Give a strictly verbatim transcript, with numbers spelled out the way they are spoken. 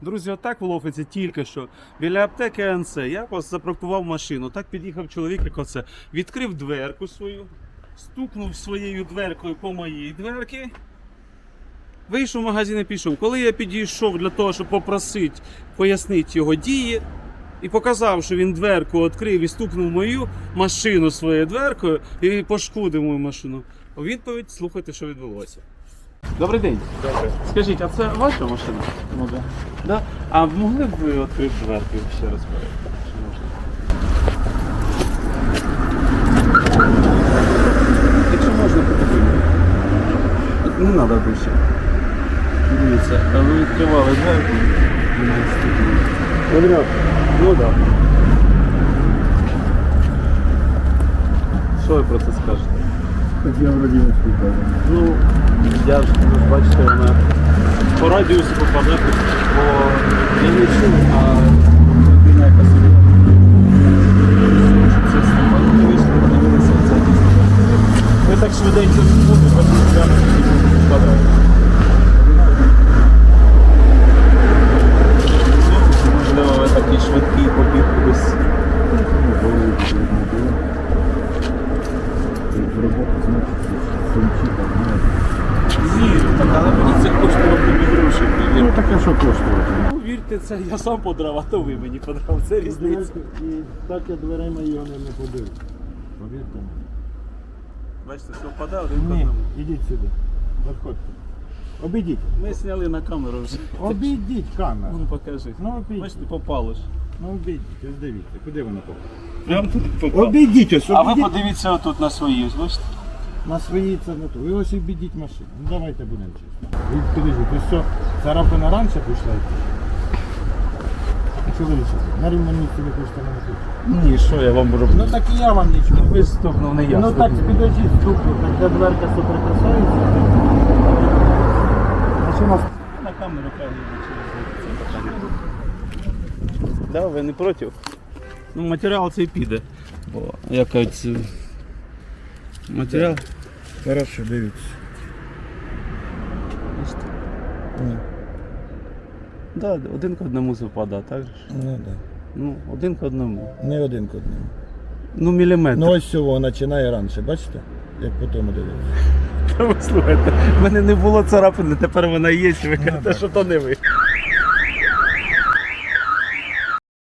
Друзі, отак в Лофиці тільки що біля аптеки АНЦ я запаркував машину. Так під'їхав чоловік, як оце, відкрив дверку свою, стукнув своєю дверкою по моїй дверці, вийшов в магазин і пішов. Коли я підійшов для того, щоб попросити пояснити його дії, і показав, що він дверку відкрив і стукнув мою машину своєю дверкою і пошкодив мою машину. У відповідь слухайте, що відбулося. Добрий день. Добре. Скажіть, а це ваша машина? Ну да. Да? А могли б ви відкрити дверку ще раз? Чи можна? Якщо можна, подивимо. Не треба більше. Дивіться, а ви відкривали дверку? Подряд. Ну так. Да. Що ви про це скажете? Так я вроді не спитав. Ну, я ж, ви ж бачите, вона по радіусу попадає, бо я не чув, а людина, яка собі це знімала, не вийшло, подивилися, це дійсно. Ви так швиденько не будете, бо прямо попадає. Можливо, ви такий швидкий побіг кудись. В роботу, значить, сумчі, так, Ні, так, але мені це коштувало тобі гроші. ну таке, що коштувати. Ну, вірте, це я сам подрав, а то ви мені подрав. Це різниця. І так я дверима його не, не побив. Повірте мені. Бачите, все впадає один по Ні, одному. ідіть сюди. Заходьте. Обійдіть. Ми зняли на камеру вже. Обійдіть камеру. Ну покажи. Ну обійдіть. Бачите, попало ж. Ну обійдіть, ось дивіться, куди воно попало. Прям тут попало. Обійдіть ось, А ви обійдіть. подивіться отут на свої, ось бачите? На своїй це не то. Ви ось обійдіть машину. Ну давайте будемо чесно. Ви підійдіть, ось все, царапина раніше пішла йти. Що ви лишите? На рівному місці ви хочете мене тут. Ні, що я вам роблю? Ну так і я вам нічого. Ви ж стукнув, не я. Ну так підождіть, стукнув, так де дверка соприкасається. Машина На камеру хай це питання. Да, ви не проти? Ну матеріал цей піде. Бо якось матеріал. хорошо, дивіться. Бачите? Ні. Да, один к одному совпадає, так же ж? Ну так. Ну, один к одному. Не один к одному. Ну, міліметр. Ну ось цього починає раніше, бачите? Як по тому дивитися. Та ви слухайте, в мене не було царапини, тепер вона є, і ви кажете, так. що то не ви.